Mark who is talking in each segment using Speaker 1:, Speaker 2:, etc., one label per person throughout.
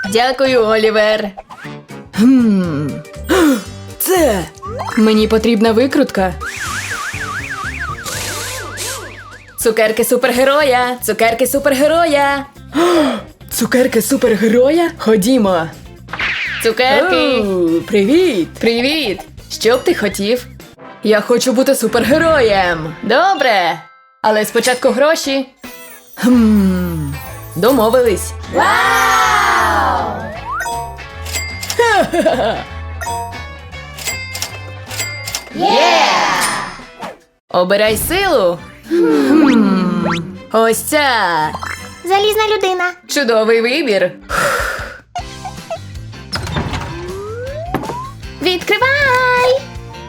Speaker 1: Дякую, Олівер. Це... Мені потрібна викрутка. Цукерки супергероя! Цукерки супергероя! Цукерки супергероя? Ходімо. Цукерки! Привіт! Привіт! Що б ти хотів? Я хочу бути супергероєм! Добре! Але спочатку гроші. Домовились.
Speaker 2: Вау!
Speaker 1: Обирай силу. Ось ця.
Speaker 2: Залізна людина.
Speaker 1: Чудовий вибір.
Speaker 2: Відкривай!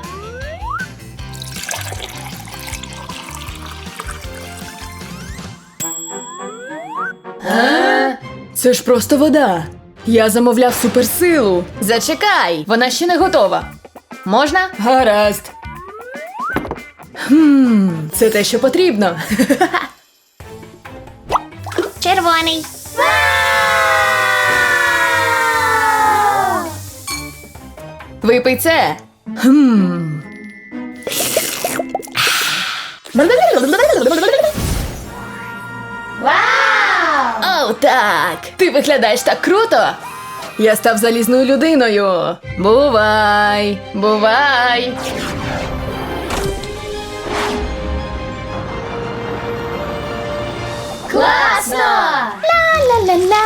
Speaker 1: Це ж просто вода. Я замовляв суперсилу. Зачекай, вона ще не готова. Можна? Гаразд. Це те, що потрібно.
Speaker 2: Червоний.
Speaker 1: Випий це.
Speaker 2: Вау!
Speaker 1: Оу, так! Ти виглядаєш так круто! Я став залізною людиною. Бувай! Бувай!
Speaker 2: Класно! Ла-ла-ла-ла,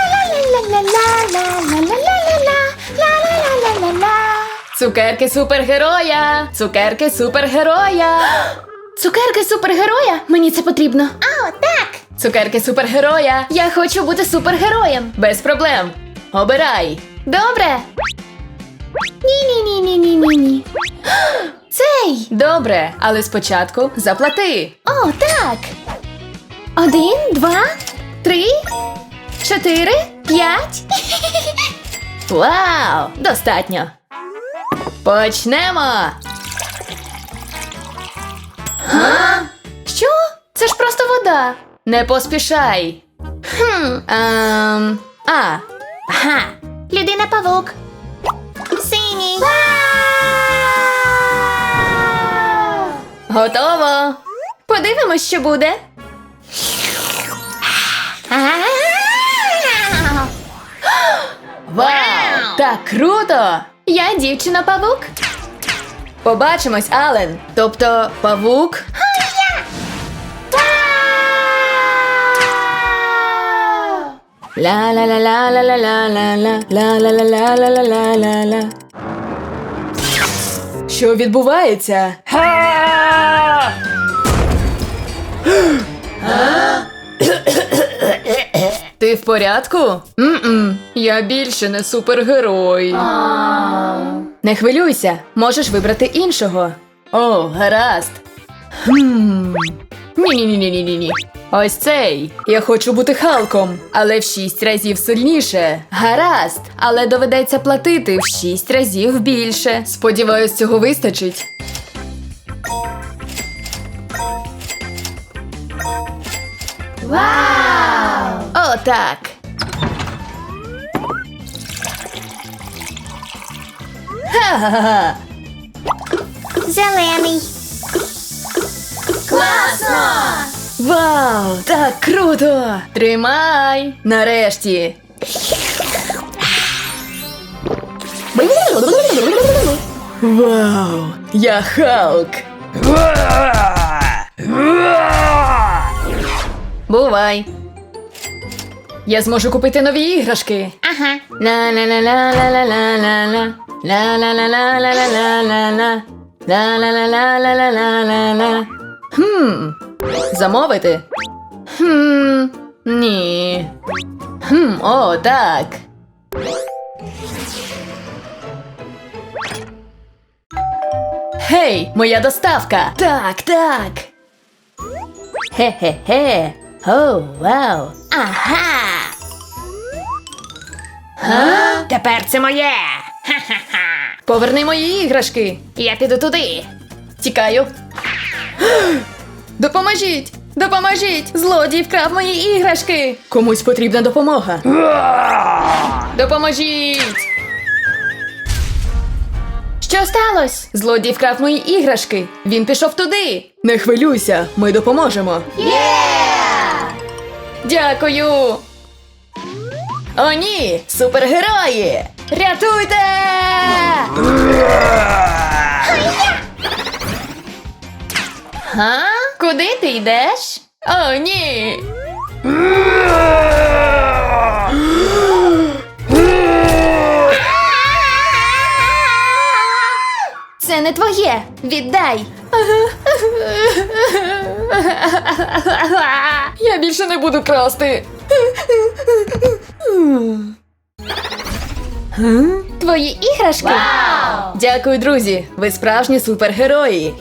Speaker 2: ла-ла-ла-ла-ла-ла-ла-ла-ла-ла-ла, ла-ла-ла-ла-ла-ла.
Speaker 1: Цукерки супергероя! Цукерки супергероя!
Speaker 2: Цукерки супергероя? Мені це потрібно. О, так!
Speaker 1: Цукерки супергероя!
Speaker 2: Я хочу бути супергероєм.
Speaker 1: Без проблем! Обирай!
Speaker 2: Добре? Ні-ні-ні-ні-ні-ні. Цей!
Speaker 1: Добре, але спочатку заплати.
Speaker 2: О, так! 1, 2, 3, 4, 5.
Speaker 1: Вау! Достатньо! Почнемо!
Speaker 2: Що? Це ж просто вода.
Speaker 1: Не поспішай! Ага!
Speaker 2: Людина-павук. Синій.
Speaker 1: Готово!
Speaker 2: Подивимось, що буде.
Speaker 1: Вау! Так круто!
Speaker 2: Я дівчина-павук.
Speaker 1: Побачимось, Ален! Тобто, павук? Ла-ла-ла-ла-ла-ла-ла-ла-ла-ла-ла-ла-ла-ла-ла-ла. Що відбувається? Ти в порядку? Я більше не супергерой. Не хвилюйся, можеш вибрати іншого. О, гаразд. Ні-ні-ні-ні-ні-ні. Ось цей. Я хочу бути Халком, але в 6 разів сильніше. Гаразд, але доведеться платити в 6 разів більше. Сподіваюсь, цього вистачить.
Speaker 2: Вау!
Speaker 1: О, так. Ха-ха-ха.
Speaker 2: Зелений. Класно!
Speaker 1: Вау, так круто! Тримай! Нарешті! Вау! Я Халк! Бувай! Я зможу купити нові іграшки!
Speaker 2: Ага.
Speaker 1: Ла-ла-ла-ла-ла-ла-ла-ла. Ла-ла-ла-ла-ла-ла-ла-ла. Ла-ла-ла-ла-ла-ла-ла-ла. Замовити? Ні. О, так. Гей, моя доставка! Так, так. Хе-хе-хе. О, вау.
Speaker 2: Ага.
Speaker 1: Тепер це моє. Поверни мої іграшки.
Speaker 2: Я піду туди.
Speaker 1: Тікаю. Допоможіть! Допоможіть! Злодій вкрав мої іграшки! Комусь потрібна допомога. Допоможіть!
Speaker 2: Що сталося?
Speaker 1: Злодій вкрав мої іграшки. Він пішов туди. Не хвилюйся, ми допоможемо. Дякую! О, ні! Супергерої! Рятуйте! Га? Куди ти йдеш? О, ні!
Speaker 2: Це не твоє. Віддай.
Speaker 1: Я більше не буду красти.
Speaker 2: Твої іграшки?
Speaker 1: Дякую, друзі! Ви справжні супергерої!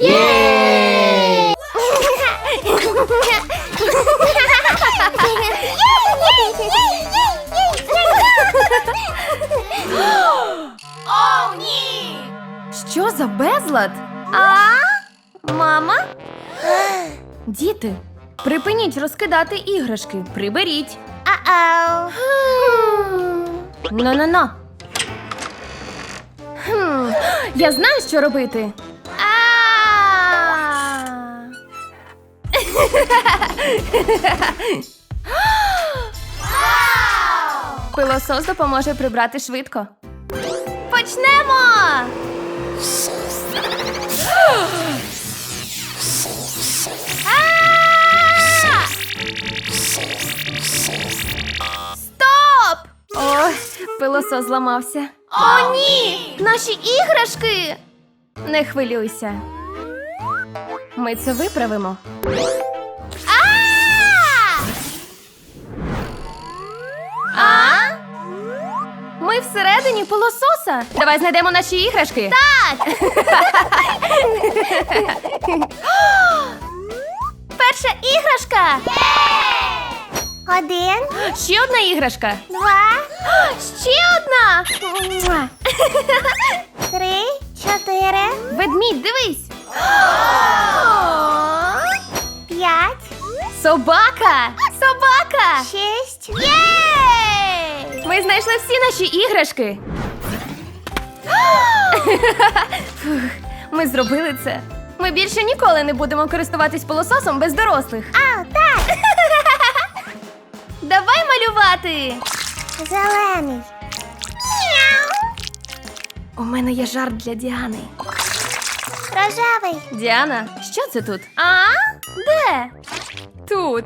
Speaker 2: О, ні!
Speaker 3: Що за безлад? Мама? Діти, припиніть розкидати іграшки. Приберіть. Но-но-но. Я знаю, що робити. Пилосос допоможе прибрати швидко. Почнемо! Стоп! Ой, пилосос зламався. О, ні! Наші іграшки! Не хвилюйся. Ми це виправимо. Ми всередині пилососа. Давай знайдемо наші іграшки. Так! Перша іграшка!
Speaker 2: Один,
Speaker 3: Ще одна іграшка.
Speaker 2: два,
Speaker 3: Ще одна!
Speaker 2: три, чотири,
Speaker 3: Ведмідь, дивись!
Speaker 2: п'ять,
Speaker 3: Собака! Собака!
Speaker 2: шість.
Speaker 3: Єй! Ми знайшли всі наші іграшки. Фух, ми зробили це. Ми більше ніколи не будемо користуватись пилососом без дорослих.
Speaker 2: Так,
Speaker 3: Давай малювати!
Speaker 2: зелений.
Speaker 3: У мене є жарт для Діани.
Speaker 2: Рожевий.
Speaker 3: Діана, що це тут? А? Де? Тут.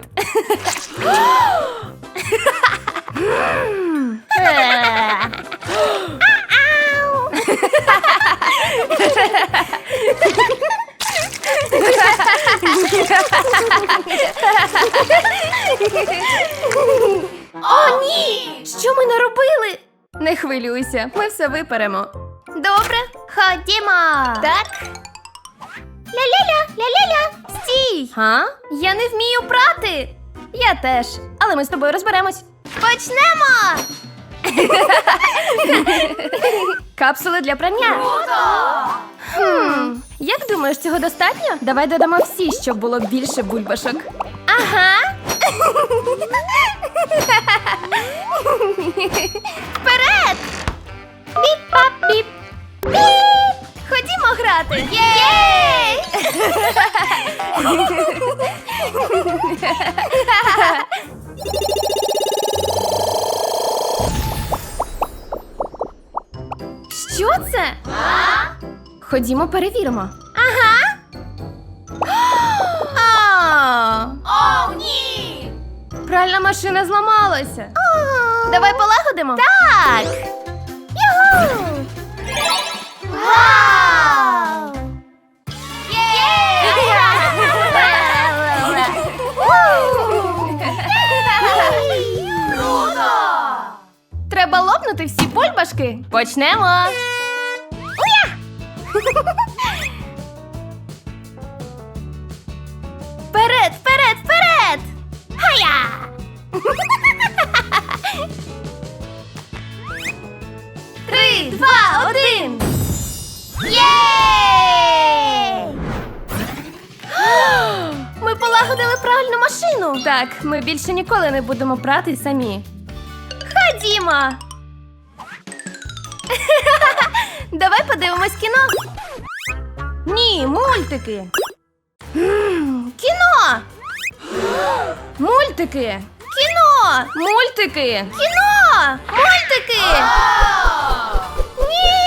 Speaker 3: О, ні! Що ми наробили? Не хвилюйся, ми все виперемо. Добре, ходімо. Так. Ля-ля-ля, ля-ля-ля. Стій! Га? Я не вмію прати. Я теж. Але ми з тобою розберемось. Почнемо! Капсули для прання. Як думаєш, цього достатньо? Давай додамо всі, щоб було більше бульбашок. Ага. Вперед! Біп-пап-біп. Біп! Ходімо грати. Єй! Що це? Ходімо перевіримо. Ага. О, ні! Пральна машина зламалася. Давай полагодимо? Так! Юху! Вау! Круто! Треба лопнути всі бульбашки. Почнемо. Вперед, вперед, вперед! Хая! 3, 2, 1! Єй! Ми полагодили полагодили пральну машину. Так, ми більше ніколи не будемо прати самі. Ходімо! Давай подивимось кіно. Ні, мультики. Кіно! Мультики! Кіно! Мультики! Кіно! Мультики! Ні!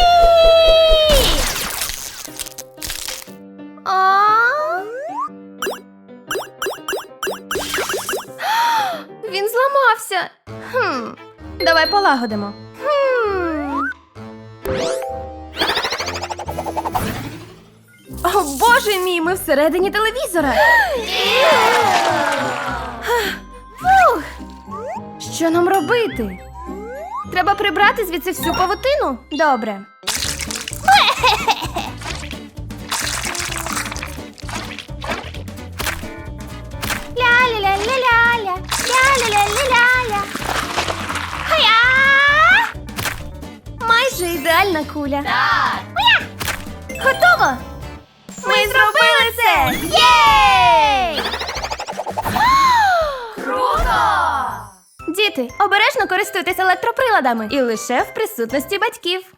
Speaker 3: Він зламався. Давай полагодимо. О, боже мій, ми всередині телевізора. Фух. Що нам робити? Треба прибрати звідси всю павутину? Добре. Ля-ля-ля-ля-ля-ля, ля-ля-ля-ля-ля-ля. Хая! Майже ідеальна куля. Так! Готово! Ми зробили це! Єй! Круто! Діти, обережно користуйтесь електроприладами і лише в присутності батьків.